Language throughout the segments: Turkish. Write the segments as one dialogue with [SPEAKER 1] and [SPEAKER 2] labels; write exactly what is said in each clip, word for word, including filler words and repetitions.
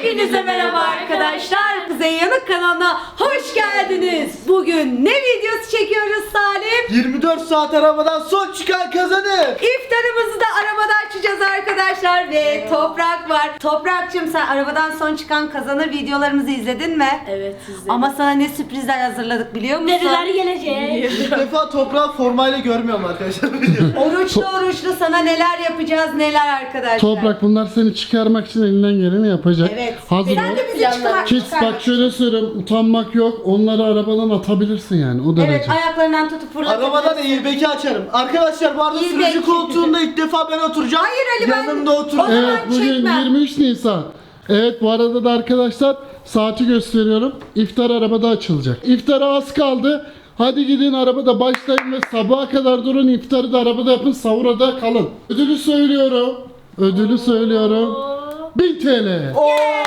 [SPEAKER 1] Hepinize merhaba arkadaşlar. Kuzey Yanık kanalına hoş geldiniz. Bugün ne videosu çekiyoruz Salim?
[SPEAKER 2] yirmi dört saat arabadan son çıkan kazanır.
[SPEAKER 1] İftarımızı da arabada açacağız arkadaşlar ve Toprak var. Toprak'cığım sen arabadan son çıkan kazanır videolarımızı izledin mi?
[SPEAKER 3] Evet izledim.
[SPEAKER 1] Ama sana ne sürprizler hazırladık biliyor musun?
[SPEAKER 3] nereler gelecek?
[SPEAKER 2] İlk defa toprağı formayla görmüyorum arkadaşlar.
[SPEAKER 1] Oruçlu oruçlu sana neler yapacağız neler arkadaşlar.
[SPEAKER 4] Toprak bunlar seni çıkarmak için elinden geleni yapacak.
[SPEAKER 1] Evet.
[SPEAKER 4] Hazır
[SPEAKER 1] Sen
[SPEAKER 4] ol.
[SPEAKER 1] de bizi çıkar.
[SPEAKER 4] Kids bak şöyle söyleyeyim, utanmak yok. Onları arabadan atabilirsin yani o derece.
[SPEAKER 1] Evet, ayaklarından tutup fırlatabilirsin.
[SPEAKER 2] Arabadan airbag'i açarım. Arkadaşlar bu arada
[SPEAKER 1] Airbag.
[SPEAKER 2] sürücü koltuğunda ilk defa ben oturacağım.
[SPEAKER 1] Hayır Ali, ben-
[SPEAKER 2] Yanımda
[SPEAKER 1] O
[SPEAKER 2] oturacağım.
[SPEAKER 1] zaman
[SPEAKER 4] Evet bugün
[SPEAKER 1] çekmem.
[SPEAKER 4] yirmi üç Nisan. Evet bu arada da arkadaşlar saati gösteriyorum. İftar arabada açılacak. İftara az kaldı. Hadi gidin arabada başlayın ve sabaha kadar durun, iftarı da arabada yapın, sahura da kalın. Ödülü söylüyorum. Ödülü söylüyorum. bin T L.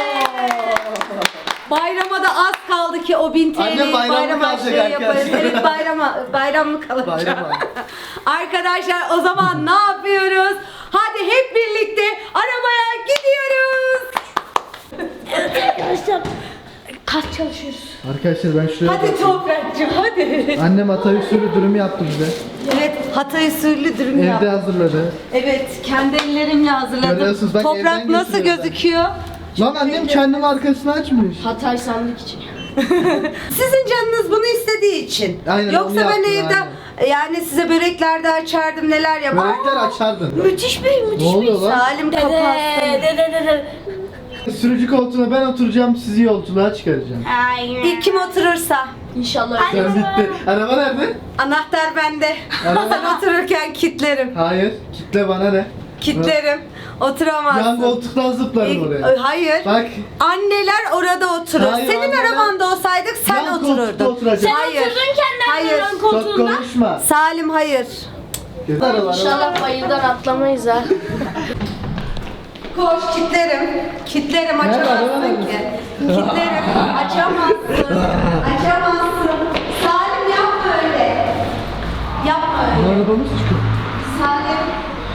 [SPEAKER 1] Bayrama da az kaldı ki o bin T L'yi
[SPEAKER 2] Anne, bayram mı
[SPEAKER 1] bayram
[SPEAKER 2] kalacak
[SPEAKER 1] harçlığı yaparız.
[SPEAKER 2] arkadaşlar?
[SPEAKER 1] Evet bayrama, bayram mı kalacak?
[SPEAKER 2] Bayram var.
[SPEAKER 1] Arkadaşlar o zaman ne yapıyoruz? Hadi hep birlikte arabaya gidiyoruz.
[SPEAKER 3] Arkadaşlar kaç çalışıyoruz?
[SPEAKER 2] Arkadaşlar ben şuraya
[SPEAKER 1] Hadi Toprak'cığım hadi.
[SPEAKER 2] Annem Hatay usulü dürüm yaptı bize.
[SPEAKER 1] Evet Hatay usulü dürüm
[SPEAKER 2] Evde
[SPEAKER 1] yaptım.
[SPEAKER 2] hazırladı.
[SPEAKER 1] Evet kendi ellerimle hazırladım.
[SPEAKER 2] Görüyorsunuz, bak
[SPEAKER 1] Toprak
[SPEAKER 2] evden
[SPEAKER 1] nasıl
[SPEAKER 2] götürüyor ben.
[SPEAKER 1] gözüküyor?
[SPEAKER 2] Lan annem kendimi arkasına açmış.
[SPEAKER 3] Hatay sandık için.
[SPEAKER 1] Sizin canınız bunu istediği için.
[SPEAKER 2] Aynen,
[SPEAKER 1] Yoksa
[SPEAKER 2] onu
[SPEAKER 1] ben
[SPEAKER 2] yaptım,
[SPEAKER 1] evde yani size börekler de açardım neler yapardım.
[SPEAKER 2] Börekler açardın.
[SPEAKER 1] Müthiş bir müthiş
[SPEAKER 2] Ne oluyor
[SPEAKER 1] bir
[SPEAKER 2] lan?
[SPEAKER 1] Salim
[SPEAKER 3] Dede
[SPEAKER 1] kapatsın.
[SPEAKER 3] dede dede.
[SPEAKER 2] Sürücü koltuğuna ben oturacağım, sizi yolculuğa çıkaracağım.
[SPEAKER 1] İlk kim oturursa.
[SPEAKER 3] İnşallah.
[SPEAKER 2] Sen bitti. Araba nerede?
[SPEAKER 1] Anahtar bende.
[SPEAKER 2] Araba-
[SPEAKER 1] Sen otururken kilitlerim.
[SPEAKER 2] Hayır. Kitle bana ne?
[SPEAKER 1] Kilitlerim. Oturamazsın.
[SPEAKER 2] Yan koltuktan zıplarım
[SPEAKER 1] İlk-
[SPEAKER 2] oraya.
[SPEAKER 1] Hayır.
[SPEAKER 2] Bak.
[SPEAKER 1] Anneler orada oturur.
[SPEAKER 2] Hayır,
[SPEAKER 1] Senin
[SPEAKER 2] anneler-
[SPEAKER 1] arabanda olsaydık sen
[SPEAKER 2] Yan koltukta
[SPEAKER 1] otururdun.
[SPEAKER 2] oturacak.
[SPEAKER 3] Sen
[SPEAKER 1] Hayır.
[SPEAKER 3] oturdun kendi
[SPEAKER 1] Hayır.
[SPEAKER 3] arabanın
[SPEAKER 2] Çok
[SPEAKER 3] koltuğunda.
[SPEAKER 2] konuşma.
[SPEAKER 1] Salim hayır.
[SPEAKER 2] Araba,
[SPEAKER 3] İnşallah bayırdan atlamayız ha.
[SPEAKER 1] Koş kilitlerim. Kilitlerim
[SPEAKER 2] Nerede, araba
[SPEAKER 1] açamazsın
[SPEAKER 2] nerede?
[SPEAKER 1] ki. Kilitlerim açamazsın. Açamazsın. Salim yapma öyle. Yapma öyle.
[SPEAKER 2] Arabamız çıkıyor.
[SPEAKER 1] Salim.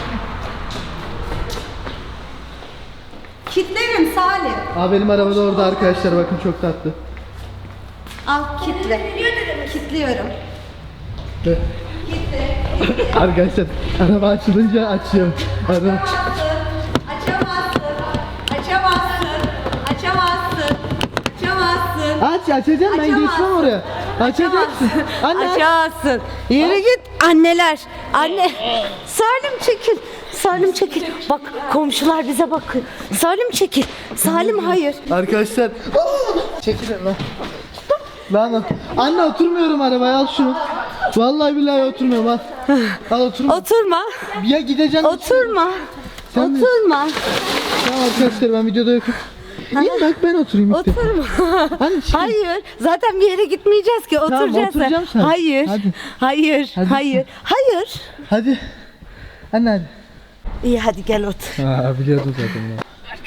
[SPEAKER 1] Kilitlerim Salim.
[SPEAKER 2] Aa benim araba da orada arkadaşlar, bakın çok tatlı.
[SPEAKER 1] Al kitle. Kilitliyorum.
[SPEAKER 2] Ve- Arkadaşlar araba açılınca açıyorum. Araba.
[SPEAKER 1] Açamazsın. Açamazsın. Açamazsın. Açamazsın.
[SPEAKER 2] Aç, açacağım, ben
[SPEAKER 1] Açamazsın.
[SPEAKER 2] geçmem oraya. Açacaksın. Anne.
[SPEAKER 1] Açamazsın. Yürü git anneler. Anne. Salim çekil. Salim çekil. Bak komşular bize bakıyor. Salim çekil. Salim hayır.
[SPEAKER 2] Arkadaşlar. Aa! Çekilin lan. Lan anne, oturmuyorum arabaya, al şunu. Vallahi billahi oturmuyorum, al. Al oturma.
[SPEAKER 1] Oturma.
[SPEAKER 2] Ya gideceğim.
[SPEAKER 1] Oturma.
[SPEAKER 2] Sen de-
[SPEAKER 1] Oturma.
[SPEAKER 2] Tamam arkadaşlar, ben videoda yokum. İyi bak, ben oturayım ilk defa.
[SPEAKER 1] Oturma.
[SPEAKER 2] Anne çıkın.
[SPEAKER 1] Hayır. Zaten bir yere gitmeyeceğiz ki. Oturacağız.
[SPEAKER 2] oturacağım sen.
[SPEAKER 1] Hayır.
[SPEAKER 2] Hadi.
[SPEAKER 1] Hayır.
[SPEAKER 2] Hadi.
[SPEAKER 1] Hayır. Hayır.
[SPEAKER 2] Hadi. Anne hadi.
[SPEAKER 1] İyi hadi gel otur.
[SPEAKER 2] Aa biliyordum zaten ya.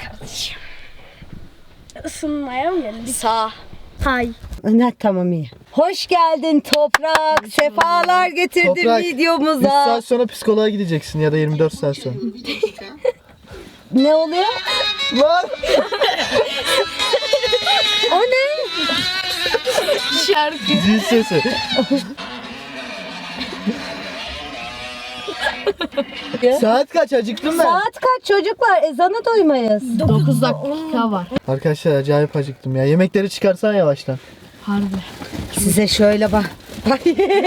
[SPEAKER 3] Isınmaya mı geldik?
[SPEAKER 1] Sağ.
[SPEAKER 3] Hay.
[SPEAKER 1] Ne tamam iyi. Hoş geldin Toprak. Sefalar getirdin
[SPEAKER 2] Toprak, üç
[SPEAKER 1] videomuza.
[SPEAKER 2] saat sonra psikoloğa gideceksin ya da yirmi dört saat sonra.
[SPEAKER 1] Ne oluyor?
[SPEAKER 2] Lan!
[SPEAKER 1] O ne?
[SPEAKER 3] Şarkı.
[SPEAKER 2] Zil sesi. Saat kaç, acıktım ben.
[SPEAKER 1] Saat kaç çocuklar? Ezanı duymayız.
[SPEAKER 3] dokuz dakika var.
[SPEAKER 2] Arkadaşlar acayip acıktım ya. Yemekleri çıkarsan yavaştan.
[SPEAKER 3] Harbi.
[SPEAKER 1] Size şöyle bak. Bak.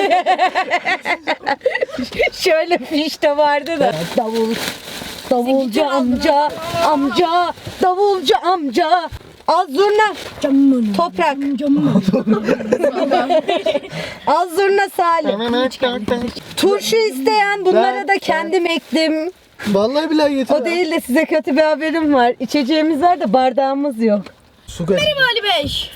[SPEAKER 1] Şöyle fiş de vardı da. Davul. Davulcu amca, amca, davulcu amca. Az zurna.
[SPEAKER 3] Camını.
[SPEAKER 1] Toprak.
[SPEAKER 3] Camını.
[SPEAKER 1] Az zurna Salim. Turşu isteyen bunlara da kendim ektim.
[SPEAKER 2] Vallahi billahi getir.
[SPEAKER 1] O değil de size kötü bir haberim var. İçeceğimiz var da bardağımız yok.
[SPEAKER 2] Su kaç.
[SPEAKER 3] Ali Bey.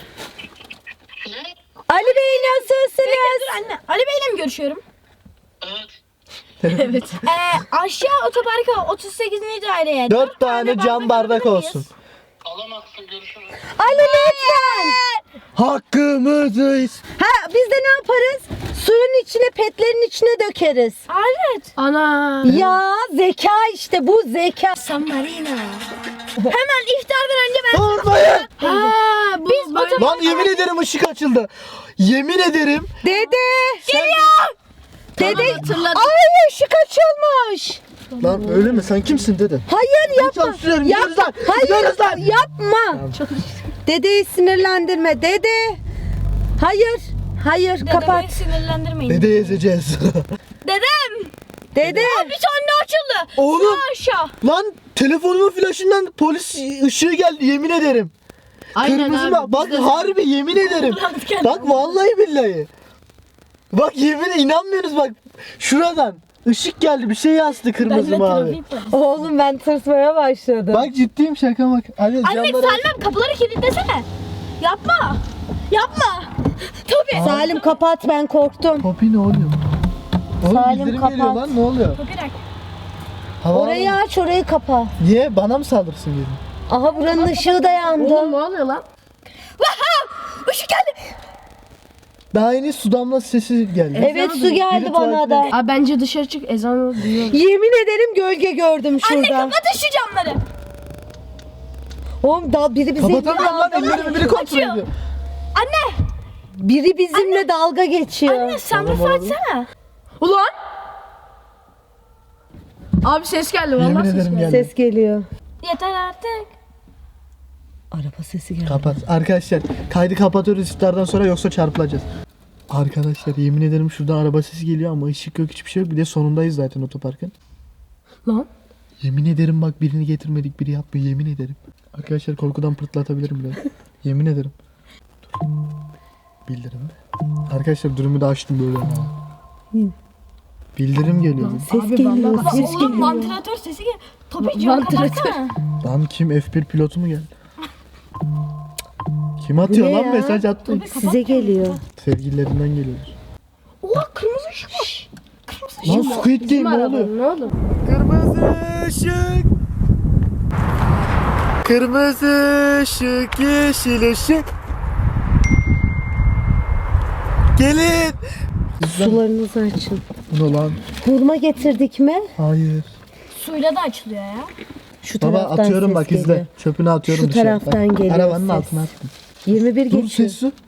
[SPEAKER 1] Ali Bey nasılsınız?
[SPEAKER 3] Dur anne. Ali Bey'le mi görüşüyorum? Evet. evet. Ee, aşağı otoparka otuz sekizinci daireye.
[SPEAKER 2] Dört tane cam bardak olsun.
[SPEAKER 5] Alamazsın, görüşürüz.
[SPEAKER 1] Ali lütfen.
[SPEAKER 2] Hakkımızı is-
[SPEAKER 1] Ha biz de ne yaparız? Suyun içine, petlerin içine dökeriz.
[SPEAKER 3] Alet. Ana.
[SPEAKER 1] Ya zeka işte bu zeka.
[SPEAKER 3] San Marino. Hemen iftardan önce ben
[SPEAKER 2] Vurmayın! Lan yemin ederim ışık açıldı. Yemin ederim.
[SPEAKER 1] Dede.
[SPEAKER 3] Geliyor.
[SPEAKER 1] Dede.
[SPEAKER 3] hatırladım.
[SPEAKER 1] Ay ışık açılmış.
[SPEAKER 2] Lan öyle mi? Sen kimsin dede?
[SPEAKER 1] Hayır yapma.
[SPEAKER 2] Çalışıyorum.
[SPEAKER 1] Yap-
[SPEAKER 2] Gidiyoruz lan.
[SPEAKER 1] Hayır
[SPEAKER 2] Gidiyoruz lan.
[SPEAKER 1] yapma. Dedeyi sinirlendirme. Dede. Hayır. Hayır kapat.
[SPEAKER 3] Dedemi sinirlendirmeyin.
[SPEAKER 2] Dede ezeceğiz.
[SPEAKER 3] Dedem.
[SPEAKER 1] Dede.
[SPEAKER 3] Bir tane açıldı.
[SPEAKER 2] Oğlum.
[SPEAKER 3] Sağ aşağı.
[SPEAKER 2] Lan telefonumun flaşından polis ışığı geldi yemin ederim. Kırmızı bak. Bak harbi yemin ederim. Bak vallahi billahi. Bak yemin inanmıyorsunuz bak. Şuradan ışık geldi bir şey yazdı kırmızı mavi.
[SPEAKER 1] Oğlum ben tırsmaya başladım.
[SPEAKER 2] Bak ciddiyim şaka bak. Hadi
[SPEAKER 3] Anne
[SPEAKER 2] camları aç.
[SPEAKER 3] Salim kapıları kilitlesene. Yapma. Yapma. Tabii.
[SPEAKER 1] Salim kapat ben korktum.
[SPEAKER 2] Popi ne oluyor? Oğlum
[SPEAKER 1] Salim,
[SPEAKER 2] bildirim
[SPEAKER 1] kapat.
[SPEAKER 2] geliyor lan ne oluyor?
[SPEAKER 3] Bir dakika.
[SPEAKER 2] Hava
[SPEAKER 1] Orayı aç orayı kapa.
[SPEAKER 2] Niye? Bana mı saldırsın dedim.
[SPEAKER 1] Aha buranın ışığı da yandı.
[SPEAKER 3] ne oluyor lan? Işık geldi.
[SPEAKER 2] Daha yeni su damlası sesi geldi.
[SPEAKER 1] Evet su geldi
[SPEAKER 2] Biri
[SPEAKER 1] bana da.
[SPEAKER 3] Abi bence dışarı çık ezanı duyuyor.
[SPEAKER 1] Yemin ederim gölge gördüm
[SPEAKER 3] Anne
[SPEAKER 1] şurada.
[SPEAKER 3] kapat şu camları.
[SPEAKER 1] Oğlum da biri bizimle
[SPEAKER 2] Kapatamıyorum lan ellerimi biri kontrol
[SPEAKER 3] Açıyor.
[SPEAKER 2] ediyor.
[SPEAKER 3] Anne.
[SPEAKER 1] biri bizimle dalga geçiyor.
[SPEAKER 3] Anne sen
[SPEAKER 2] Tamam,
[SPEAKER 3] bir
[SPEAKER 2] olabilir.
[SPEAKER 3] açsana.
[SPEAKER 6] Ulan! Abi ses geldi
[SPEAKER 2] Yemin
[SPEAKER 6] vallahi ses
[SPEAKER 2] ederim
[SPEAKER 6] geldi.
[SPEAKER 2] geldi.
[SPEAKER 1] Ses geliyor.
[SPEAKER 3] Yeter artık.
[SPEAKER 1] Araba sesi geldi.
[SPEAKER 2] Kapat. Arkadaşlar kaydı kapatıyoruz iftardan sonra yoksa çarpılacağız. Arkadaşlar yemin ederim şuradan araba sesi geliyor ama ışık yok hiçbir şey yok. Bir de sonundayız zaten otoparkın.
[SPEAKER 6] Lan.
[SPEAKER 2] Yemin ederim bak birini getirmedik biri yapmıyor yemin ederim. Arkadaşlar korkudan pırtlatabilirim biraz. Yemin ederim. Dur. Bildirim mi? Arkadaşlar durumu da açtım böyle. Ha. Bildirim geliyor.
[SPEAKER 1] Ses geliyor.
[SPEAKER 3] Baba
[SPEAKER 1] Ses
[SPEAKER 3] oğlum
[SPEAKER 1] geliyor.
[SPEAKER 3] vantilatör sesi gel. Tabii cam kapatsana.
[SPEAKER 2] Lan kim F bir pilotu mu geldi? Kim atıyor
[SPEAKER 1] Bu ne
[SPEAKER 2] lan
[SPEAKER 1] ya?
[SPEAKER 2] mesaj attı?
[SPEAKER 1] Size geliyor.
[SPEAKER 2] Sevgililerinden geliyor.
[SPEAKER 3] Oha kırmızı ışık. Kırmızı ışık.
[SPEAKER 2] Lan Squid Game ne oluyor?
[SPEAKER 6] Ne oldu?
[SPEAKER 2] Kırmızı ışık. Kırmızı ışık, yeşil ışık. Gelin.
[SPEAKER 1] Sularınızı açın.
[SPEAKER 2] Bu ne lan?
[SPEAKER 1] Hurma getirdik mi?
[SPEAKER 2] Hayır.
[SPEAKER 3] Suyla da açılıyor ya.
[SPEAKER 1] Şu
[SPEAKER 2] Baba
[SPEAKER 1] taraftan
[SPEAKER 2] atıyorum
[SPEAKER 1] ses
[SPEAKER 2] bak
[SPEAKER 1] geliyor.
[SPEAKER 2] izle. Çöpünü atıyorum
[SPEAKER 1] Şu
[SPEAKER 2] dışarı.
[SPEAKER 1] taraftan
[SPEAKER 2] Bak,
[SPEAKER 1] geliyor
[SPEAKER 2] arabanın
[SPEAKER 1] ses.
[SPEAKER 2] altına attım.
[SPEAKER 1] yirmi bir
[SPEAKER 2] Dur
[SPEAKER 1] geçiyor.
[SPEAKER 2] ses su.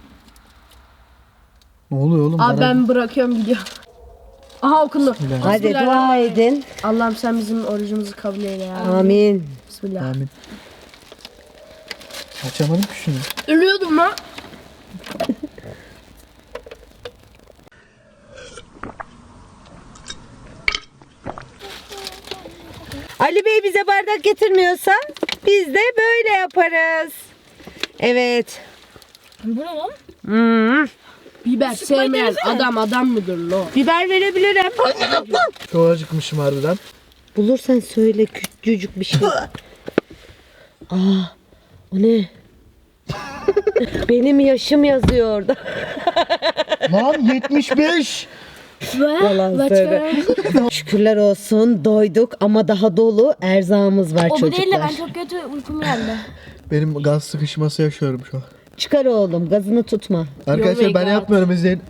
[SPEAKER 2] Ne oluyor oğlum?
[SPEAKER 6] Abi
[SPEAKER 2] Bana-
[SPEAKER 6] ben bırakıyorum gidiyorum. Aha okundu.
[SPEAKER 1] Hadi dua edin.
[SPEAKER 6] Allah'ım sen bizim orucumuzu kabul eyle ya.
[SPEAKER 1] Amin.
[SPEAKER 6] Bismillah.
[SPEAKER 2] Amin. Açamadım ki şunu.
[SPEAKER 6] Ölüyordum lan.
[SPEAKER 1] Ali Bey bize bardak getirmiyorsa biz de böyle yaparız. Evet.
[SPEAKER 3] Bu ne lan?
[SPEAKER 1] Hmm.
[SPEAKER 6] Biber sevmeyen adam adam mıdır lo?
[SPEAKER 1] Biber verebilirim.
[SPEAKER 2] Çok acıkmışım harbiden.
[SPEAKER 1] Bulursan söyle küçücük bir şey. Aa, o ne? Benim yaşım yazıyor orada.
[SPEAKER 2] Lan yetmiş beş.
[SPEAKER 1] Yalan söyle. Şükürler olsun doyduk ama daha dolu erzağımız var
[SPEAKER 3] O bu
[SPEAKER 1] çocuklar.
[SPEAKER 3] değil de ben çok kötü uykum geldi.
[SPEAKER 2] Benim gaz sıkışması yaşıyorum şu an.
[SPEAKER 1] Çıkar oğlum gazını tutma.
[SPEAKER 2] Arkadaşlar
[SPEAKER 6] my
[SPEAKER 2] ben
[SPEAKER 6] God.
[SPEAKER 2] yapmıyorum izleyin.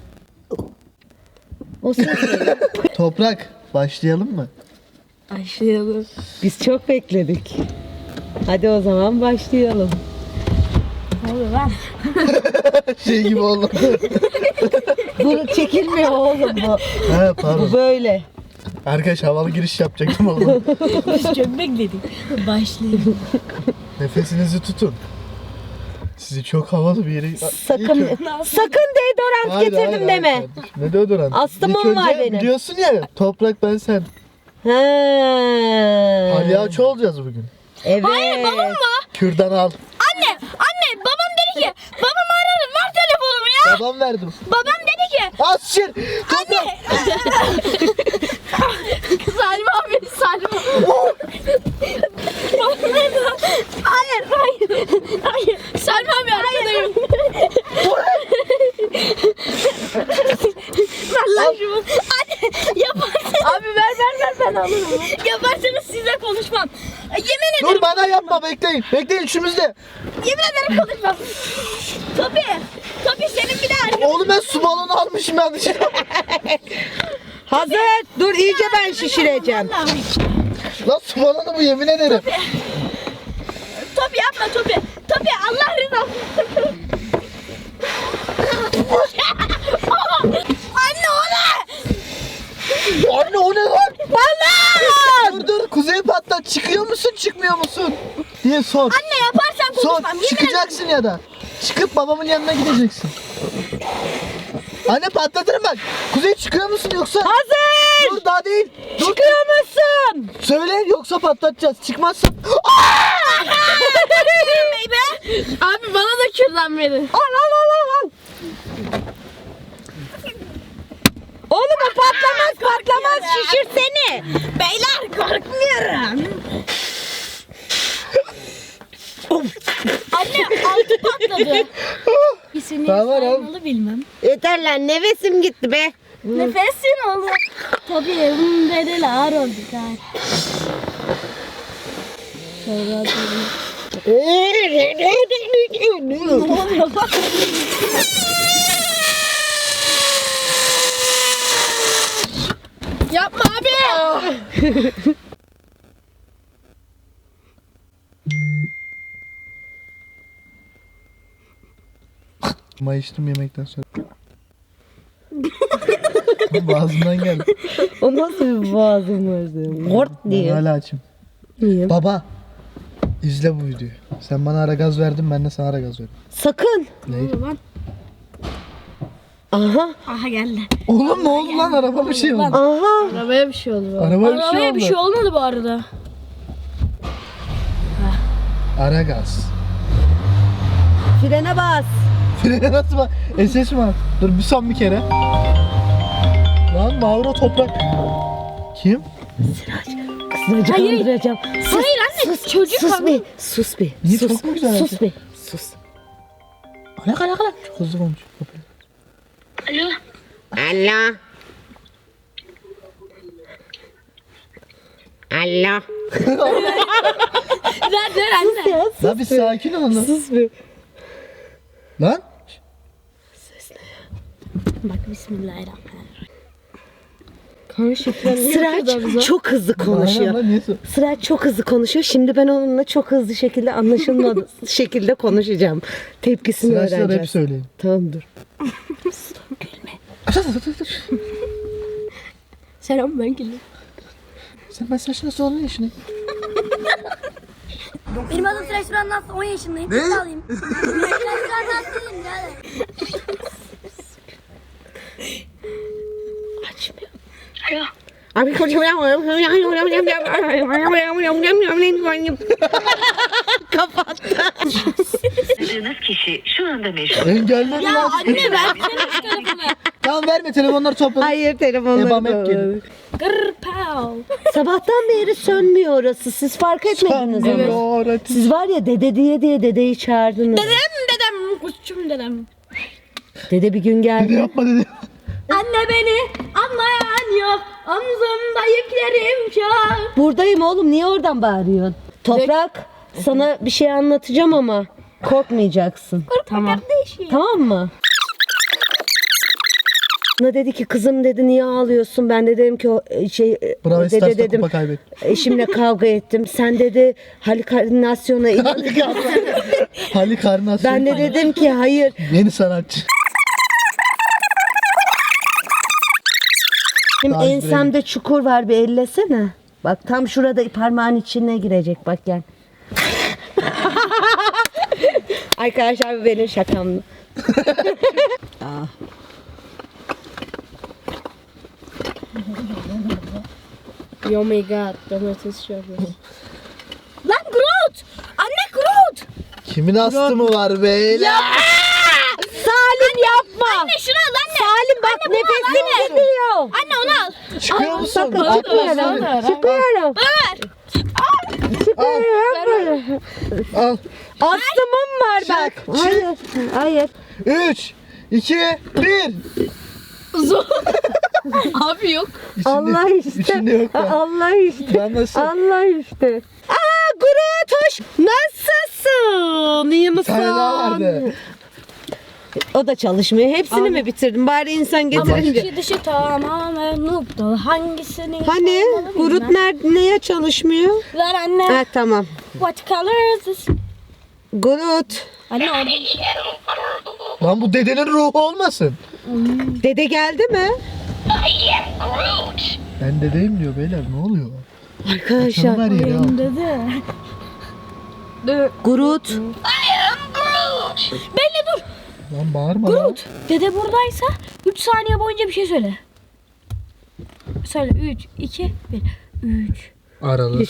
[SPEAKER 1] O sen söyle.
[SPEAKER 2] Toprak başlayalım mı?
[SPEAKER 6] Başlayalım.
[SPEAKER 1] Biz çok bekledik. Hadi o zaman başlayalım.
[SPEAKER 3] Ne oluyor lan?
[SPEAKER 2] Şey gibi oldu.
[SPEAKER 1] Bu çekilmiyor oğlum bu.
[SPEAKER 2] He
[SPEAKER 1] Bu
[SPEAKER 2] pardon.
[SPEAKER 1] böyle.
[SPEAKER 2] Arkadaş havalı giriş yapacaktım ama.
[SPEAKER 3] Biz çok bekledik. Başlayalım.
[SPEAKER 2] Nefesinizi tutun. Sizi çok havalı bir yere...
[SPEAKER 1] Sakın
[SPEAKER 2] İlk ö-
[SPEAKER 1] sakın deodorant
[SPEAKER 2] Hayır,
[SPEAKER 1] getirdim
[SPEAKER 2] hayır,
[SPEAKER 1] deme.
[SPEAKER 2] hayır kardeşim. Ne deodorant?
[SPEAKER 1] Astımım
[SPEAKER 2] İlk
[SPEAKER 1] var
[SPEAKER 2] önce
[SPEAKER 1] benim.
[SPEAKER 2] Biliyorsun ya toprak ben sen.
[SPEAKER 1] Ha.
[SPEAKER 2] Palyaço olacağız bugün.
[SPEAKER 1] Evet.
[SPEAKER 2] Kürdan al.
[SPEAKER 3] Anne, anne babam dedi ki, babam aradı, ver telefonumu ya.
[SPEAKER 2] Babam verdim.
[SPEAKER 3] Babam dedi ki,
[SPEAKER 2] Az şir. Toprak.
[SPEAKER 3] Salim abi, Salim abi. Hayır, hayır, hayır. Salim abi arkadayım. Ver lan şunu. Anne, yaparsın. Abi ver, ver, ver, ben alırım. Yaparsanız size konuşmam. Yemin ederim.
[SPEAKER 2] Dur bana yapma bekleyin. Bekleyin üçümüzde.
[SPEAKER 3] Yemin ederim konuşmam. Tabii. Tabii senin bir de arkadaşın.
[SPEAKER 2] Oğlum ben su balonu almışım yanlışlıkla.
[SPEAKER 1] Hazır. Dur iyice ben şişireceğim.
[SPEAKER 2] Lan su balonu bu yemin ederim.
[SPEAKER 3] Tabii yapma tabii. Tabii Allah rızası.
[SPEAKER 2] diye sor.
[SPEAKER 3] Anne yaparsan
[SPEAKER 2] Sor.
[SPEAKER 3] konuşmam. Yemin ederim.
[SPEAKER 2] Çıkacaksın ya da. Çıkıp babamın yanına gideceksin. Anne patlatırım bak. Kuzey çıkıyor musun yoksa?
[SPEAKER 1] Hazır.
[SPEAKER 2] Dur daha değil. Dur.
[SPEAKER 1] Çıkıyor musun?
[SPEAKER 2] Söyle yoksa patlatacağız. Çıkmazsan.
[SPEAKER 6] Abi bana da kürdan verin.
[SPEAKER 1] Al al al al, al. Oğlum o patlamaz patlamaz şişir seni.
[SPEAKER 3] Beyler korkmuyorum. Anne altı patladı. İsmini
[SPEAKER 2] Tamam, tamam.
[SPEAKER 3] saymalı bilmem.
[SPEAKER 1] Yeter lan nefesim gitti be.
[SPEAKER 3] Nefesin oldu. Tabii evim dedeler oldu. Sonra
[SPEAKER 6] Yapma abi.
[SPEAKER 2] Mayıştım yemekten sonra. Boğazımdan geldi.
[SPEAKER 1] O nasıl bir boğazım vardı? Gort
[SPEAKER 2] Ben
[SPEAKER 1] diye.
[SPEAKER 2] hala açım.
[SPEAKER 1] Niye?
[SPEAKER 2] Baba. İzle bu videoyu. Sen bana ara gaz verdin, ben de sana ara gaz verdim.
[SPEAKER 1] Sakın.
[SPEAKER 2] Ne?
[SPEAKER 1] Aha.
[SPEAKER 3] aha geldi.
[SPEAKER 2] Oğlum ne oldu lan? Araba bir şey oldu.
[SPEAKER 1] Aha.
[SPEAKER 6] Arabaya bir şey oldu.
[SPEAKER 2] Araba bir şey
[SPEAKER 3] Arabaya
[SPEAKER 2] oldu.
[SPEAKER 3] bir şey olmadı bu arada.
[SPEAKER 2] Ara gaz.
[SPEAKER 1] Frene bas.
[SPEAKER 2] Frene nasıl bak? S S mi var? Dur bir son bir kere. Lan Mauro Toprak. Kim?
[SPEAKER 1] Kızını canlandıracağım. Sus,
[SPEAKER 3] Hayır anne çocuk
[SPEAKER 1] sus
[SPEAKER 3] abi.
[SPEAKER 1] bir. Sus bir.
[SPEAKER 2] Niye,
[SPEAKER 1] sus.
[SPEAKER 2] çok mu güzel
[SPEAKER 1] Sus
[SPEAKER 2] yaptın?
[SPEAKER 1] bir. Sus.
[SPEAKER 2] Alak alak alak. Çok hızlı konuş.
[SPEAKER 5] Alo.
[SPEAKER 1] Allah. Allah.
[SPEAKER 3] Ver ver anne.
[SPEAKER 2] Lan bir sakin ol lan.
[SPEAKER 1] Sus bir.
[SPEAKER 2] Lan.
[SPEAKER 3] Bak bismillahirrahmanirrahim.
[SPEAKER 1] Sıraç çok hızlı
[SPEAKER 2] Aynen
[SPEAKER 1] konuşuyor.
[SPEAKER 2] lan niye sor?
[SPEAKER 1] Sıraç çok hızlı konuşuyor. Şimdi ben onunla çok hızlı şekilde anlaşılmadı şekilde konuşacağım. Tepkisini
[SPEAKER 2] Sıraçlar hep
[SPEAKER 1] öğreneceğiz.
[SPEAKER 2] söyleyin.
[SPEAKER 1] Tamam dur.
[SPEAKER 3] Selam ben gülüm.
[SPEAKER 2] Sen mesajına sor ne işini?
[SPEAKER 3] Benim adım Sıraç Duran Nasıl on yaşındayım. Ne? Alayım. Sıraç Duran Nasıl'yım yani.
[SPEAKER 1] Açmıyor.
[SPEAKER 5] Alo.
[SPEAKER 1] Abi kapattı.
[SPEAKER 7] Aradığınız kişi şu anda meşgul.
[SPEAKER 2] Engelledim
[SPEAKER 3] Ya
[SPEAKER 2] lan.
[SPEAKER 3] anne ver senin telefonu.
[SPEAKER 2] Tamam verme telefonları topladık.
[SPEAKER 1] Hayır telefonları
[SPEAKER 2] Ebam hep
[SPEAKER 1] da-
[SPEAKER 2] geliyor.
[SPEAKER 3] Gırr pow.
[SPEAKER 1] Sabahtan beri sönmüyor orası. Siz fark etmediniz ama.
[SPEAKER 2] Sanmıyor.
[SPEAKER 1] Siz var ya dede diye diye dedeyi çağırdınız.
[SPEAKER 3] Dedem dedem kuşçum dedem.
[SPEAKER 1] Dede bir gün
[SPEAKER 2] Ne
[SPEAKER 1] geldi.
[SPEAKER 2] yapma dedi.
[SPEAKER 3] Anne beni anlayan yok. Omzumda yüklerim çok.
[SPEAKER 1] Buradayım oğlum niye oradan bağırıyorsun? Toprak sana bir şey anlatacağım ama korkmayacaksın.
[SPEAKER 3] Tamam. Kardeşim.
[SPEAKER 1] Tamam mı? Bana dedi ki kızım dedi niye ağlıyorsun? Ben de dedim ki o e, şey e,
[SPEAKER 2] Bravo
[SPEAKER 1] dede
[SPEAKER 2] Stars'ta
[SPEAKER 1] dedim
[SPEAKER 2] kupa kaybet.
[SPEAKER 1] eşimle kavga ettim. Sen dedi halüsinasyona inan.
[SPEAKER 2] Hali karnası.
[SPEAKER 1] Ben de dedim ki hayır.
[SPEAKER 2] Yeni sanatçı.
[SPEAKER 1] Benim
[SPEAKER 2] Daha
[SPEAKER 1] ensemde çukur var bir ellesene. Bak tam şurada parmağın içine girecek bak gel. Arkadaşlar bu benim şakamdı. Ah.
[SPEAKER 6] Oh my god. Domates çorbası.
[SPEAKER 3] Lan Groot. Anne Groot.
[SPEAKER 2] Kimin astımı var beyler?
[SPEAKER 1] Salim yapma.
[SPEAKER 3] Anne şunu al anne.
[SPEAKER 1] Salim bak
[SPEAKER 3] Anne, bunu al,
[SPEAKER 1] nefesim
[SPEAKER 3] anne.
[SPEAKER 1] gidiyor.
[SPEAKER 3] Anne onu al.
[SPEAKER 2] Çıkıyor musun?
[SPEAKER 1] Sakın
[SPEAKER 2] Atma
[SPEAKER 1] çıkıyorum.
[SPEAKER 2] seni.
[SPEAKER 1] Çıkıyorum.
[SPEAKER 3] Bana ver.
[SPEAKER 1] Çıkıyorum.
[SPEAKER 2] Al.
[SPEAKER 1] Astımım var bak.
[SPEAKER 2] Çık,
[SPEAKER 1] Hayır. Hayır.
[SPEAKER 2] Üç, iki, bir.
[SPEAKER 6] Abi yok.
[SPEAKER 2] İçinde,
[SPEAKER 1] Allah işte.
[SPEAKER 2] İçinde yok lan.
[SPEAKER 1] Allah işte.
[SPEAKER 2] Ben nasıl?
[SPEAKER 1] Allah işte. Aa Groot hoş. Nasılsın? İyi misin?
[SPEAKER 2] Bir tane daha vardı.
[SPEAKER 1] O da çalışmıyor. Hepsini mi bitirdin? Bari insan getirince.
[SPEAKER 3] İçi dışı tamamen noob'du. Hangisini
[SPEAKER 1] Hani
[SPEAKER 3] yapmalı
[SPEAKER 1] Groot
[SPEAKER 3] bilmem.
[SPEAKER 1] nerede, neye çalışmıyor?
[SPEAKER 3] Ver anne.
[SPEAKER 1] Ha tamam.
[SPEAKER 3] What color is this?
[SPEAKER 1] Groot.
[SPEAKER 3] Anne orada.
[SPEAKER 2] Lan bu dedenin ruhu olmasın.
[SPEAKER 1] Dede geldi mi?
[SPEAKER 2] Ben dedeyim diyor beyler ne oluyor?
[SPEAKER 1] Arkadaşlar.
[SPEAKER 2] Canım her yeri al.
[SPEAKER 3] Dedi.
[SPEAKER 1] Groot.
[SPEAKER 3] Belli dur.
[SPEAKER 2] Lan bağırma lan.
[SPEAKER 3] Groot. Dede buradaysa üç saniye boyunca bir şey söyle. Söyle üç, iki, bir. üç.
[SPEAKER 2] Aralı.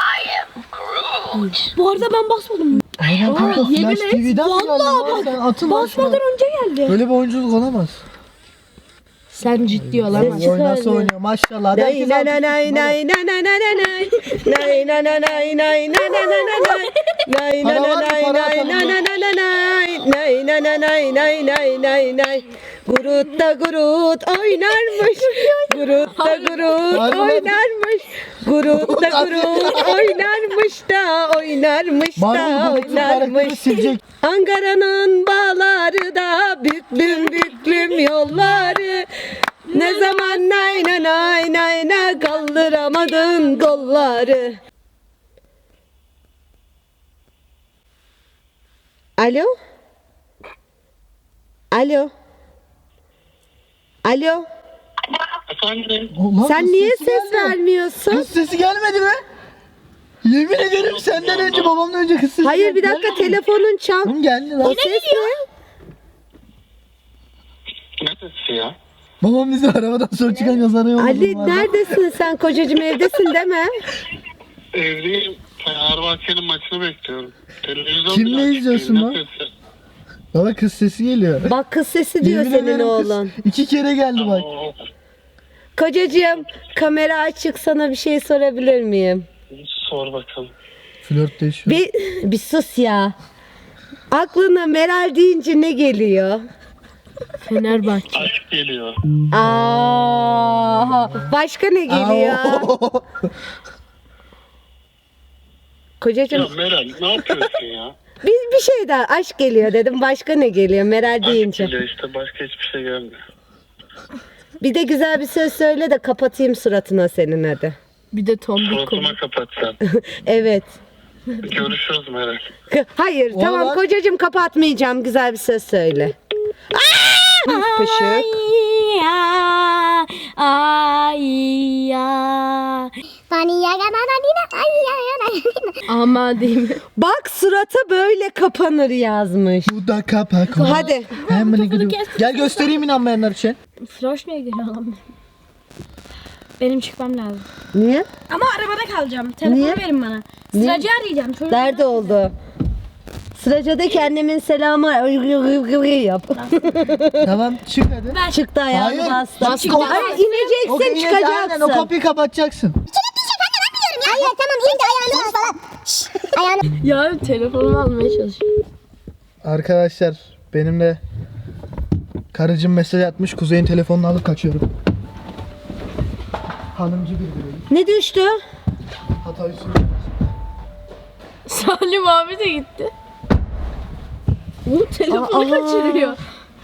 [SPEAKER 3] Bu arada ben basmadım.
[SPEAKER 2] Aynen kanka
[SPEAKER 3] yemin
[SPEAKER 2] Flash
[SPEAKER 3] et,
[SPEAKER 2] T V'den mi
[SPEAKER 3] vallahi
[SPEAKER 2] geldin lan?
[SPEAKER 3] bak,
[SPEAKER 2] Sen atın lan şuna.
[SPEAKER 3] Basmadan önce geldi.
[SPEAKER 2] Böyle bir oyunculuk olamaz.
[SPEAKER 6] Sen ciddi
[SPEAKER 2] Bu
[SPEAKER 6] olamazsın.
[SPEAKER 2] oyun nasıl oynuyor maşallah. Hadi
[SPEAKER 1] Nay
[SPEAKER 2] herkes
[SPEAKER 1] nay
[SPEAKER 2] alkış
[SPEAKER 1] nay
[SPEAKER 2] tutsun,
[SPEAKER 1] nay nay nay nay nay nay. Nay nay nay nay nay nay nay nay nay. Nay nay
[SPEAKER 2] Para var mı?
[SPEAKER 1] nay
[SPEAKER 2] Para
[SPEAKER 1] nay
[SPEAKER 2] atalım
[SPEAKER 1] nay
[SPEAKER 2] mı?
[SPEAKER 1] nay nay nay. Nay nay nay nay nay nay nay nay. Groot da Groot oynarmış. Groot da Groot
[SPEAKER 2] Harbi lan.
[SPEAKER 1] oynarmış. Groot da Groot oynarmış da oynarmış da
[SPEAKER 2] Marvel Groot'un karakteri
[SPEAKER 1] oynarmış.
[SPEAKER 2] silecek.
[SPEAKER 1] Ankara'nın bağları da büklüm büklüm yolları. Ne zaman nay nay nay nay nay kaldıramadın kolları. Alo? Alo? Alo?
[SPEAKER 5] Efendim?
[SPEAKER 2] Ulan
[SPEAKER 1] Sen
[SPEAKER 2] kız
[SPEAKER 1] niye
[SPEAKER 2] sesi
[SPEAKER 1] ses
[SPEAKER 2] geldi.
[SPEAKER 1] vermiyorsun?
[SPEAKER 2] Kız sesi gelmedi mi? Yemin ederim senden önce babamdan önce kız sesi
[SPEAKER 1] Hayır bir
[SPEAKER 2] geldi.
[SPEAKER 1] dakika telefonun çal.
[SPEAKER 2] Oğlum geldi lan.
[SPEAKER 1] O ses ne?
[SPEAKER 5] Ne sesi ya?
[SPEAKER 2] Babam bizi arabadan sonra çıkan yazara yolladı.
[SPEAKER 1] Ali
[SPEAKER 2] bu arada.
[SPEAKER 1] neredesin sen kocacığım evdesin değil mi?
[SPEAKER 5] Evdeyim. Fenerbahçe'nin maçını bekliyorum. Televizyon
[SPEAKER 2] Kimle
[SPEAKER 5] bile açık
[SPEAKER 2] izliyorsun
[SPEAKER 5] değil,
[SPEAKER 2] lan?
[SPEAKER 5] ne sesi?
[SPEAKER 2] Baba kız sesi geliyor.
[SPEAKER 1] Bak kız sesi diyor
[SPEAKER 2] Yemin
[SPEAKER 1] senin
[SPEAKER 2] ederim kız
[SPEAKER 1] oğlan.
[SPEAKER 2] İki kere geldi bak.
[SPEAKER 5] Oo,
[SPEAKER 1] Kocacığım kamera açık sana bir şey sorabilir miyim?
[SPEAKER 5] sor bakalım.
[SPEAKER 2] Flörtleşiyor.
[SPEAKER 1] Bir, bir sus ya. Aklına Meral deyince ne geliyor?
[SPEAKER 6] Fenerbahçe.
[SPEAKER 5] Aşk geliyor.
[SPEAKER 1] Aa, başka ne geliyor?
[SPEAKER 2] Aa,
[SPEAKER 1] Kocacığım
[SPEAKER 5] Ya Meral ne yapıyorsun ya?
[SPEAKER 1] bir, bir şey daha aşk geliyor dedim. Başka ne geliyor Meral
[SPEAKER 5] Aşk
[SPEAKER 1] deyince?
[SPEAKER 5] geliyor işte, başka hiçbir şey gelmiyor.
[SPEAKER 1] Bir de güzel bir söz söyle de kapatayım suratına senin hadi.
[SPEAKER 6] Bir de tombik konu.
[SPEAKER 5] Suratıma kapat sen.
[SPEAKER 1] Evet.
[SPEAKER 5] Görüşürüz Meral.
[SPEAKER 1] Hayır
[SPEAKER 2] O
[SPEAKER 1] tamam
[SPEAKER 2] lan-
[SPEAKER 1] kocacığım kapatmayacağım. Güzel bir söz söyle. Pışık.
[SPEAKER 3] Ya, ay ya.
[SPEAKER 6] Ama değil mi?
[SPEAKER 1] Bak surata böyle kapanır yazmış.
[SPEAKER 2] Bu da kapak.
[SPEAKER 1] Hadi.
[SPEAKER 2] Hemen gidiyorum. Gel göstereyim inanmayanlar için.
[SPEAKER 3] Flash niye geliyor lan? Benim çıkmam lazım.
[SPEAKER 1] Niye?
[SPEAKER 3] Ama arabada kalacağım. Telefonu
[SPEAKER 1] Niye?
[SPEAKER 3] verin bana.
[SPEAKER 1] Niye?
[SPEAKER 3] Sıracı arayacağım. Çocuk.
[SPEAKER 1] Nerede oldu? Sıracadaki annemin selamı yap.
[SPEAKER 2] Tamam çık hadi.
[SPEAKER 1] Çıktı ayağını
[SPEAKER 2] Hayır.
[SPEAKER 1] bastı.
[SPEAKER 2] Bas-
[SPEAKER 1] Hayır
[SPEAKER 2] O-
[SPEAKER 1] ineceksin
[SPEAKER 2] Aynen,
[SPEAKER 1] çıkacaksın.
[SPEAKER 2] o kapıyı kapatacaksın.
[SPEAKER 8] Hayır tamam ince ayağını bas falan. Şşş, ayağını.
[SPEAKER 6] Ya telefonumu almaya çalışıyorum.
[SPEAKER 2] Arkadaşlar benimle karıcığım mesaj atmış. Kuzey'in telefonunu alıp kaçıyorum. Hanımcı bir birey.
[SPEAKER 1] Ne düştü?
[SPEAKER 2] Hatayı söylüyorum.
[SPEAKER 6] Salim abi de gitti. Bu telefonu
[SPEAKER 1] Aa.
[SPEAKER 6] kaçırıyor.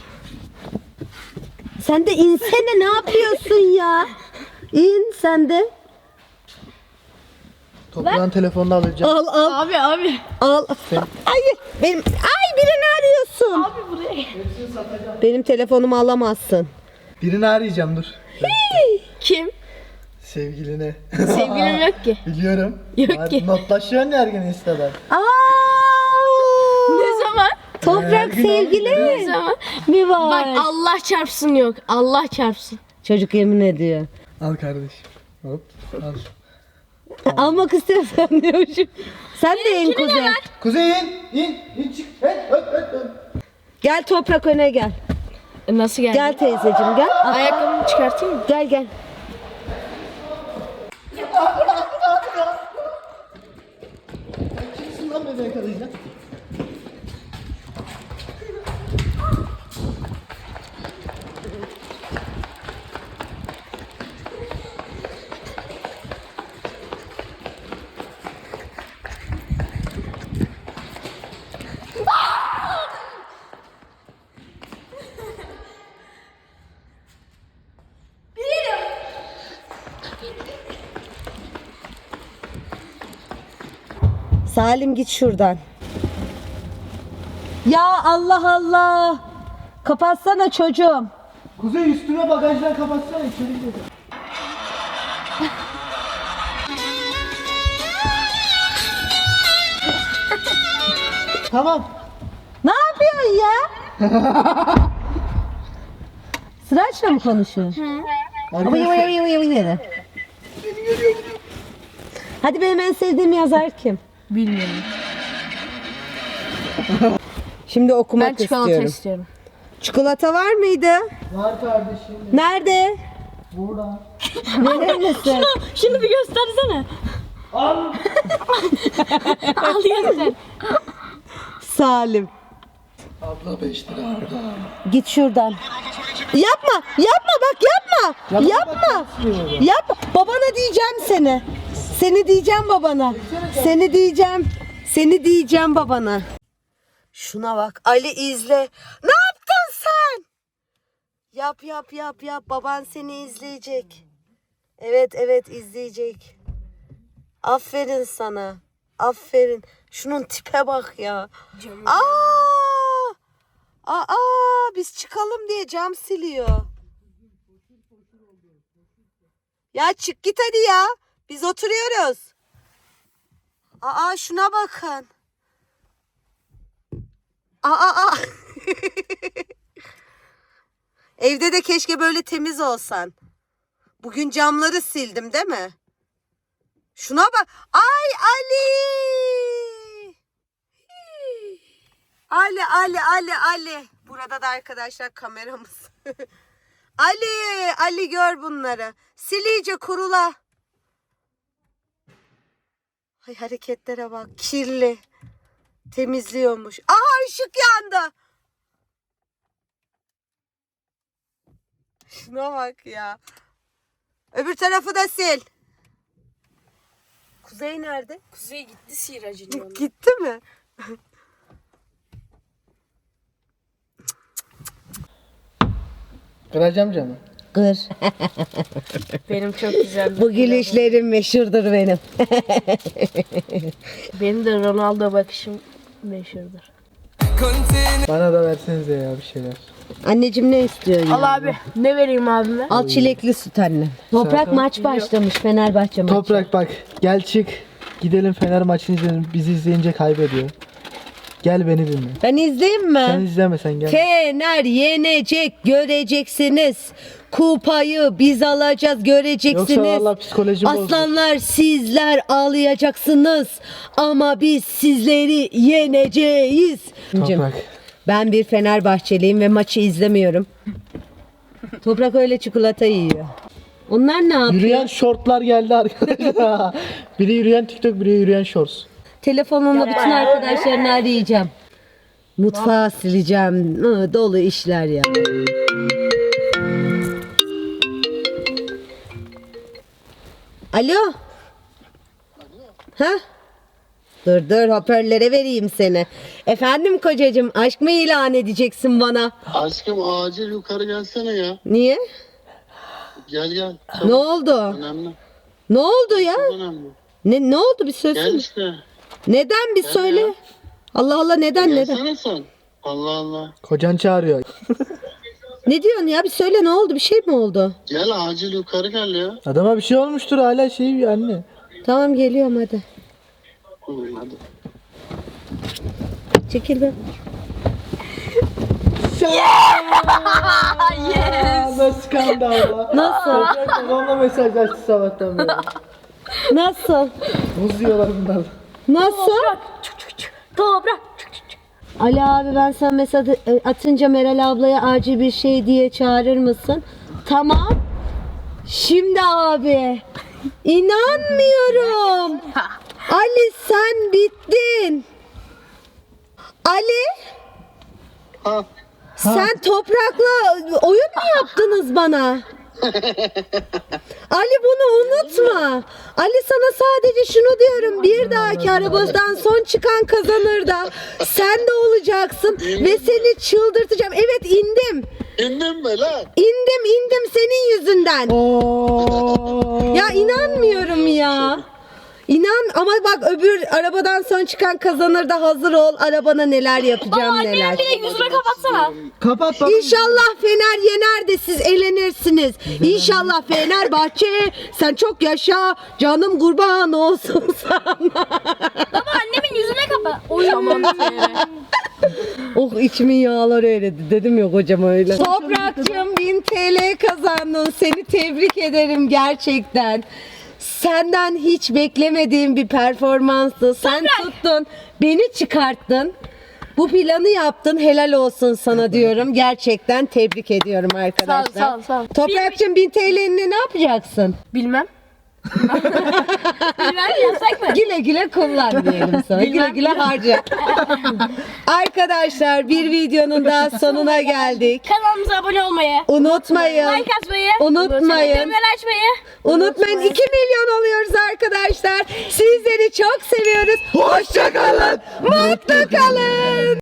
[SPEAKER 1] Sen de insene ne yapıyorsun ya? İn sen de.
[SPEAKER 2] Toprağın telefonunu alacağım.
[SPEAKER 1] Al al
[SPEAKER 6] Abi abi.
[SPEAKER 1] al. Hayır benim ay birini arıyorsun.
[SPEAKER 6] Abi buraya.
[SPEAKER 1] Benim telefonumu alamazsın.
[SPEAKER 2] Birini arayacağım dur.
[SPEAKER 6] Kim?
[SPEAKER 2] Sevgilini.
[SPEAKER 6] Sevgilim yok ki.
[SPEAKER 2] Biliyorum.
[SPEAKER 6] Yok
[SPEAKER 2] Var-
[SPEAKER 6] ki.
[SPEAKER 2] Notlaşıyorsun ya her gün Insta'dan.
[SPEAKER 1] Aa!
[SPEAKER 6] Ne zaman?
[SPEAKER 1] Toprak sevgili
[SPEAKER 6] Ne zaman?
[SPEAKER 1] mi var?
[SPEAKER 6] Bak Allah çarpsın yok. Allah çarpsın.
[SPEAKER 1] Çocuk yemin ediyor.
[SPEAKER 2] Al kardeşim. Hop. Al.
[SPEAKER 1] Almak istiyorsan diyormuşum. Sen de in Kuzey.
[SPEAKER 2] Kuzey in. in. in çık. Hey, öt, öt, öt.
[SPEAKER 1] Gel Toprak öne gel.
[SPEAKER 6] E, Nasıl geldi?
[SPEAKER 1] Gel teyzeciğim gel. Al.
[SPEAKER 6] Ayakkabımı çıkartayım mı?
[SPEAKER 1] Gel gel.
[SPEAKER 2] Kimsin lan beni yakalayacak?
[SPEAKER 1] Salim git şuradan. Ya Allah Allah. Kapatsana çocuğum.
[SPEAKER 2] Kuzey üstüne bagajdan kapatsana içeri gidelim. Tamam.
[SPEAKER 1] Ne yapıyorsun ya? Sıraçla mı konuşuyorsun? Ama yava yava yava yava yava. Hadi benim en sevdiğim yazar kim?
[SPEAKER 6] Bilmiyorum.
[SPEAKER 1] Şimdi
[SPEAKER 6] Ben
[SPEAKER 1] okumak
[SPEAKER 6] çikolata
[SPEAKER 1] istiyorum.
[SPEAKER 6] istiyorum.
[SPEAKER 1] Çikolata var mıydı?
[SPEAKER 2] Var kardeşim.
[SPEAKER 1] Nerede?
[SPEAKER 2] Burada.
[SPEAKER 1] Neredesin?
[SPEAKER 3] Şunu bir göstersene.
[SPEAKER 2] Al.
[SPEAKER 3] Al göster.
[SPEAKER 1] Salim.
[SPEAKER 2] Abla beş lira abla.
[SPEAKER 1] Git şuradan. Yapma, yapma bak yapma. Yapma. Yapma. Babana diyeceğim seni. Seni diyeceğim babana. Seni diyeceğim. Seni diyeceğim babana. Şuna bak Ali izle. Ne yaptın sen? Yap yap yap yap. Baban seni izleyecek. Evet evet izleyecek. Aferin sana. Aferin. Şunun tipe bak ya. Aa! Aa, biz çıkalım diye cam siliyor. Ya çık git hadi ya. Biz oturuyoruz. Aa şuna bakın. Aa aa. Evde de keşke böyle temiz olsan. Bugün camları sildim değil mi? Şuna bak. Ay Ali. Ali, Ali, Ali, Ali. Burada da arkadaşlar kameramız. Ali, Ali gör bunları. Sil iyice kurula. Ay hareketlere bak. Kirli. Temizliyormuş. Aha ışık yandı. Şuna bak ya. Öbür tarafı da sil. Kuzey nerede?
[SPEAKER 6] Kuzey gitti sihiracının yanına.
[SPEAKER 1] Gitti mi?
[SPEAKER 2] Kıracağım canım.
[SPEAKER 1] Kır.
[SPEAKER 6] Benim çok güzel.
[SPEAKER 1] Bu gülüşlerim meşhurdur benim.
[SPEAKER 6] Benim de Ronaldo bakışım meşhurdur.
[SPEAKER 2] Bana da versenize ya bir şeyler.
[SPEAKER 1] Anneciğim ne istiyorsun?
[SPEAKER 6] Al
[SPEAKER 1] ya?
[SPEAKER 6] abi. Ne vereyim abime?
[SPEAKER 1] Al çilekli süt anne. Toprak
[SPEAKER 2] Zaten-
[SPEAKER 1] maç başlamış Fenerbahçe maçı.
[SPEAKER 2] Toprak bak gel çık. Gidelim Fener maçını izleyelim. Bizi izleyince kaybediyor. Gel beni dinle.
[SPEAKER 1] Ben izleyeyim mi?
[SPEAKER 2] Sen izleme sen gel.
[SPEAKER 1] Fener yenecek göreceksiniz. Kupayı biz alacağız göreceksiniz.
[SPEAKER 2] Yoksa vallahi psikolojim bozulur.
[SPEAKER 1] Aslanlar sizler ağlayacaksınız. Ama biz sizleri yeneceğiz.
[SPEAKER 2] Toprak.
[SPEAKER 1] Ben bir Fenerbahçeliyim ve maçı izlemiyorum. Toprak öyle çikolata yiyor. Onlar ne yapıyor?
[SPEAKER 2] Yürüyen şortlar geldi arkadaşlar. Biri yürüyen TikTok, biri yürüyen shorts.
[SPEAKER 1] Telefonumla bütün arkadaşlarını arayacağım. Mutfağı sileceğim. Hı, dolu işler ya. Alo. Ha? Dur dur hoparlöre vereyim seni. Efendim kocacığım aşk mı ilan edeceksin bana?
[SPEAKER 5] Aşkım acil yukarı gelsene ya.
[SPEAKER 1] Niye?
[SPEAKER 5] Gel gel.
[SPEAKER 1] Ne oldu?
[SPEAKER 5] Önemli.
[SPEAKER 1] Ne oldu ya?
[SPEAKER 5] Önemli.
[SPEAKER 1] Ne ne oldu bir
[SPEAKER 5] Gel
[SPEAKER 1] söylesene.
[SPEAKER 5] işte.
[SPEAKER 1] Neden bir söyle.
[SPEAKER 5] ya.
[SPEAKER 1] Allah Allah neden neden?
[SPEAKER 5] Gelsene sen. Allah Allah.
[SPEAKER 2] Kocan çağırıyor.
[SPEAKER 1] Ne diyorsun ya bir söyle ne oldu bir şey mi oldu?
[SPEAKER 5] Gel acil yukarı gel ya.
[SPEAKER 2] Adama bir şey olmuştur hala şey anne.
[SPEAKER 1] Tamam geliyorum hadi.
[SPEAKER 5] Hı, hadi.
[SPEAKER 1] Çekil be.
[SPEAKER 2] Aa, nasıl kandı abla?
[SPEAKER 1] Nasıl?
[SPEAKER 2] Toprak babamla mesajlaştı sabahtan beri.
[SPEAKER 1] Nasıl?
[SPEAKER 2] Buz yiyorlar bunlar.
[SPEAKER 1] Nasıl?
[SPEAKER 3] Toprak.
[SPEAKER 1] Ali abi ben sana mesaj atınca Meral ablaya acil bir şey diye çağırır mısın? Tamam. Şimdi abi. İnanmıyorum. Ali sen bittin. Ali
[SPEAKER 5] Ha.
[SPEAKER 1] sen toprakla oyun mu yaptınız bana? Ali bunu unutma. Ali sana sadece şunu diyorum. Bir dahaki arabadan son çıkan kazanır da sen de olacaksın ve seni çıldırtacağım. Evet indim.
[SPEAKER 5] İndin mi lan?
[SPEAKER 1] İndim indim senin yüzünden.
[SPEAKER 2] Oo.
[SPEAKER 1] Ya inanmıyorum ya. İnan ama bak öbür arabadan son çıkan kazanır da hazır ol. Arabana neler yapacağım
[SPEAKER 3] Baba
[SPEAKER 1] neler.
[SPEAKER 3] annemin bir de yüzüne kapatsana.
[SPEAKER 2] Kapat bak.
[SPEAKER 1] İnşallah Fener yener de siz eğlenirsiniz. İnşallah Fenerbahçe sen çok yaşa canım kurban olsun sana.
[SPEAKER 3] Baba annemin yüzüne kapat. Uyamam
[SPEAKER 1] Oh içimin yağları eridi dedim ya kocam öyle. Toprakçığım bin T L kazandın. Seni tebrik ederim gerçekten. Senden hiç beklemediğim bir performanstı. Sen tuttun, beni çıkarttın. Bu planı yaptın. Helal olsun sana diyorum. Gerçekten tebrik ediyorum arkadaşlar.
[SPEAKER 3] Sağ ol, sağ ol, sağ ol.
[SPEAKER 1] Toprakçığım bin T L'ni ne yapacaksın?
[SPEAKER 3] Bilmem. Bilmem yasak mı?
[SPEAKER 1] Güle güle kullan diyelim sana. Güle güle harca. Arkadaşlar bir videonun daha sonuna geldik.
[SPEAKER 3] Kanalımıza abone olmayı,
[SPEAKER 1] Unutmayın.
[SPEAKER 3] like atmayı,
[SPEAKER 1] Unutmayın.
[SPEAKER 3] bildirimleri açmayı.
[SPEAKER 1] Unutmayın iki milyon oluyoruz arkadaşlar. Sizleri çok seviyoruz. Hoşça kalın. Mutlu kalın.